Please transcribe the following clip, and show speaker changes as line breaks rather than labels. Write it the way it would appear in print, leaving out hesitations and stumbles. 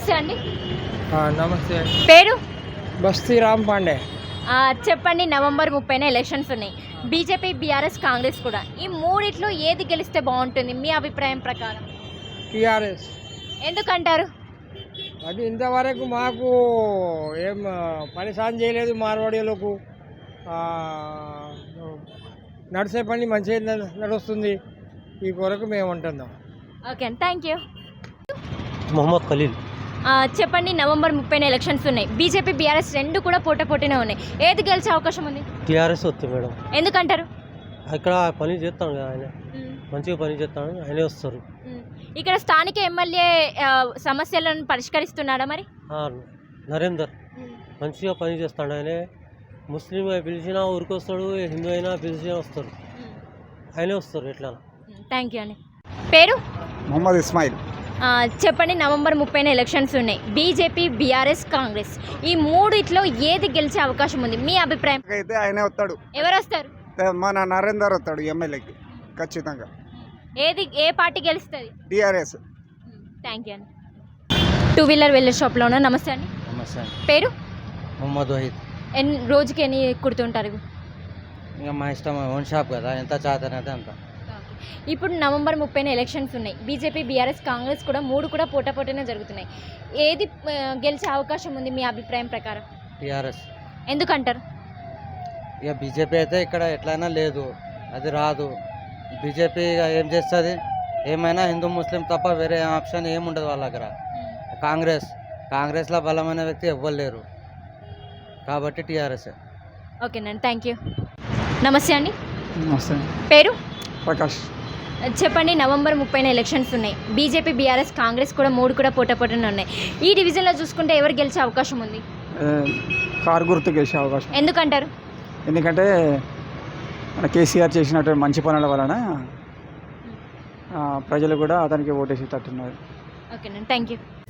నమస్తే అండి.
నమస్తే.
పేరు?
బస్తీ రామ్ పాండే.
చెప్పండి. నవంబర్ 30న ఎలక్షన్స్ ఉన్నాయి. బీజేపీ, బీఆర్ఎస్, కాంగ్రెస్ కూడా. ఈ మూడిట్లో ఏది గెలిస్తే బాగుంటుంది మీ అభిప్రాయం ప్రకారం?
టీఆర్ఎస్.
ఎందుకంటారు?
అది ఇంతవరకు మాకు ఏం పని సాయం చేయలేదు. మార్వాడీలకు నడిచే పని మంచిగా నడుస్తుంది. ఈ కొరకు మేము ఉంటున్నాం.
ఓకే అండి, థ్యాంక్ యూ.
మొహమ్మద్ ఖలీల్.
చెప్పండి. నవంబర్ 30న ఎలక్షన్స్ ఉన్నాయి. బీజేపీ, బీఆర్ఎస్ రెండు కూడా పోటాపోటీనే ఉన్నాయి. ఏది గెలిచే అవకాశం ఉంది?
టీఆర్ఎస్ వస్తుంది మేడం.
ఎందుకంటారు?
ఇక్కడ పని చేస్తాను కదా ఆయన, మంచిగా పని చేస్తాను, ఆయనే వస్తారు.
ఇక్కడ స్థానిక ఎమ్మెల్యే సమస్యలను పరిష్కరిస్తున్నాడా మరి?
నరేందర్ మంచిగా పని చేస్తాడు. ఆయనే ముస్లిం పిలిచినా ఊరికి వస్తాడు, హిందూ అయినా పిలిచినా వస్తారు, ఆయనే వస్తారు. ఎట్లా?
థ్యాంక్ యూ అండి. పేరు?
మొహమ్మద్ ఇస్మాయిల్.
చెప్పండి. నవంబర్ 30న ఎలక్షన్స్ ఉన్నాయి. బీజేపీ, బీఆర్ఎస్, కాంగ్రెస్ ఈ మూడిట్లో ఏది గెలిచే అవకాశం ఉంది మీ అభిప్రాయం?
అయితే ఆయనే వస్తాడు.
ఎవరు వస్తారు?
మన నరేందర్ వస్తాడు ఎమ్మెల్యేకి ఖచ్చితంగా.
ఏ పార్టీ గెలుస్తుంది?
టీఆర్ఎస్.
థ్యాంక్ యూ అండి. టూ వీలర్ వెళ్ళే షాప్లో ఉన్నా. నమస్తే అండి.
నమస్తే.
పేరు?
మొహమ్మద్ వహీద్.
రోజుకి ఎన్ని కుడుతుంటారు?
ఇంకా మా ఇష్టం, ఓన్ షాప్ కదా, ఎంత చాతనైతే అంత.
ఇప్పుడు నవంబర్ 30న ఎలక్షన్స్ ఉన్నాయి. బీజేపీ, బీఆర్ఎస్, కాంగ్రెస్ కూడా మూడు కూడా పోటాపోటీనే జరుగుతున్నాయి. ఏది గెలిచే అవకాశం ఉంది మీ అభిప్రాయం ప్రకారం?
టీఆర్ఎస్.
ఎందుకంటారు?
ఇక బీజేపీ అయితే ఇక్కడ ఎట్లయినా లేదు, అది రాదు. బీజేపీ ఏం చేస్తుంది? ఏమైనా హిందూ ముస్లిం తప్ప వేరే ఆప్షన్ ఏముండదు వాళ్ళ దగ్గర. కాంగ్రెస్లో బలమైన వ్యక్తి ఎవ్వరు లేరు, కాబట్టి టీఆర్ఎస్.
ఓకేనండి, థ్యాంక్ యూ. నమస్తే అండి.
నమస్తే.
పేరు?
ప్రకాష్.
చెప్పండి. నవంబర్ 30న ఎలక్షన్స్ ఉన్నాయి. బీజేపీ, బీఆర్ఎస్, కాంగ్రెస్ కూడా మూడు కూడా పోటాపోటీనే ఉన్నాయి. ఈ డివిజన్లో చూసుకుంటే ఎవరు గెలిచే అవకాశం ఉంది?
కారు గుర్తు గెలిచే అవకాశం.
ఎందుకంటారు?
ఎందుకంటే మన కేసీఆర్ చేసినటువంటి మంచి పనుల వలన ప్రజలు కూడా అతనికి ఓటేసి తట్టున్నారు.
ఓకేనండి, థ్యాంక్ యూ.